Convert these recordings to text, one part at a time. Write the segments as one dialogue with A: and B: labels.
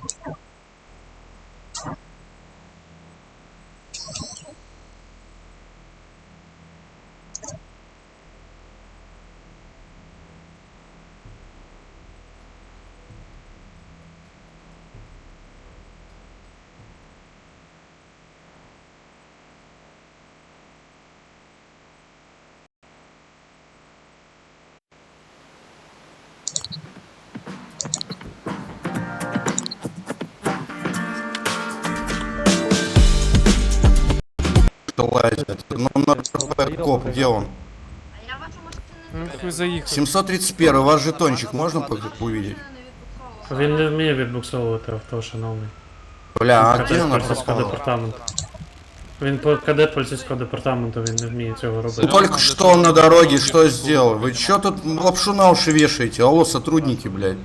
A: Лазит. Ну, на РП коп, где он?
B: А я вашу машину
C: Ну, хуй заїхав.
A: 731, ваш жетончик можно увидеть?
D: Він не вміє відбуксовувати авто, шановний.
A: Бля, а где
D: Кадет
A: она
D: поліцейського
A: пропала?
D: департаменту. Він кадет поліцейського департаменту, він не вміє цього робити.
A: Только что он на дороге, что сделал? Вы чё тут лапшу на уши вешаете? Алло, сотрудники, блядь.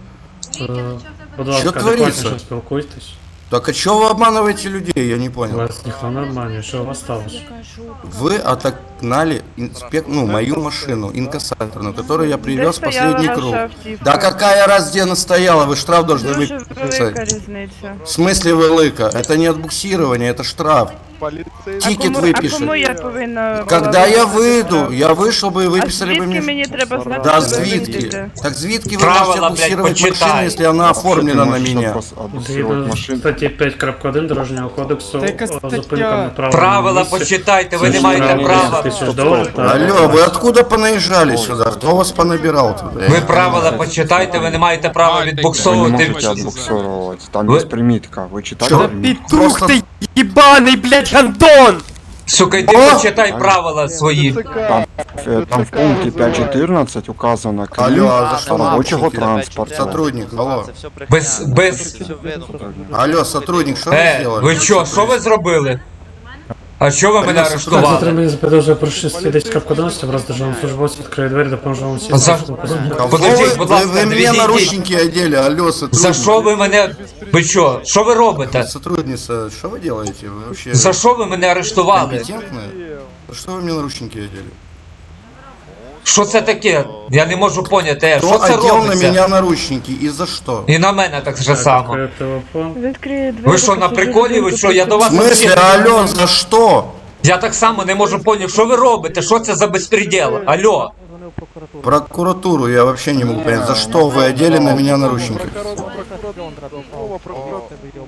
D: Будь ласка,
A: Що твориться?
D: адекватніше спілкуйтесь.
A: Так а чё вы обманываете людей? Я не понял.
D: Вас ніхто не обманює, що у вас сталося?
A: Вы отогнали мою машину, инкассаторную, которую я привез в последний круг. Да какая раз где она стояла? Вы штраф должны
E: Дуже велика
A: выписать.
E: різниця.
A: В смысле велика? Это не отбуксирование, это штраф. Тикет
E: А
A: выпишем.
E: кому я повинна
A: Когда
E: була
A: я
E: виписати
A: выйду,
E: штраф?
A: я вышел бы и
E: А
A: выписали бы
E: звідки
A: мне...
E: мені треба знати,
A: Да,
E: що ви
A: звідки?
E: вийдете?
A: Так звідки вы
F: Правила,
A: можете
F: блядь,
A: отбуксировать
F: почитай.
A: машину, если она оформлена на меня?
D: Згідно статті 5.1 Дорожнього кодексу,
C: Та яка стаття?
D: зупинка на
F: Правила почитайте, ви не маєте права.
A: Алло, вы откуда понаезжали сюда? Кто вас понабирал тут?
F: Ви правила почитайте, ви не маєте права
G: Вы не
F: відбуксовувати.
G: можете отбуксировать. Там
F: Вы-
G: есть примитка. Вы читали
A: Чё?
G: примитку?
C: Петух ти єбаний, блядь, Антон!
F: Сука, йди
A: О!
F: почитай правила свої.
G: Там в пункте 5.14 указано
A: Алло,
G: крім
A: а за что
G: рабочего
A: наручники?
G: транспорта.
A: Сотрудник, алло.
F: Без...
A: Алло, сотрудник, что вы сделали?
F: Ви що ви зробили? А що ви мене
D: Так,
F: арештували?
D: затримання за підозрою порушення 10.11, враз державному службовцю відкриє двері, допоможе вам всім.
F: За- Подождіть, будь ласка,
A: вы мне
F: відійдіть.
A: наручники одели, алло, сотрудник.
F: За що ви мене... Ви що? Що ви робите?
A: Сотрудница, что вы делаете? Вы вообще
F: За що ви мене арештували?
A: компетентная? За что вы мне наручники одели?
F: Що це таке? Я не можу поняти,
A: Кто
F: що це
A: одел на
F: робиться?
A: меня наручники и за что?
F: І на мене так же само.
D: Телефон.
E: Відкриє двері.
F: Ви що, на приколі? Ви що, я до
A: В
F: вас...
A: смысле, алло, за что?
F: Я так само не можу поняти, що ви робите? Що це за безпреділ? Алло?
A: Прокуратуру я вообще не могу понять, за что вы одели на меня наручники?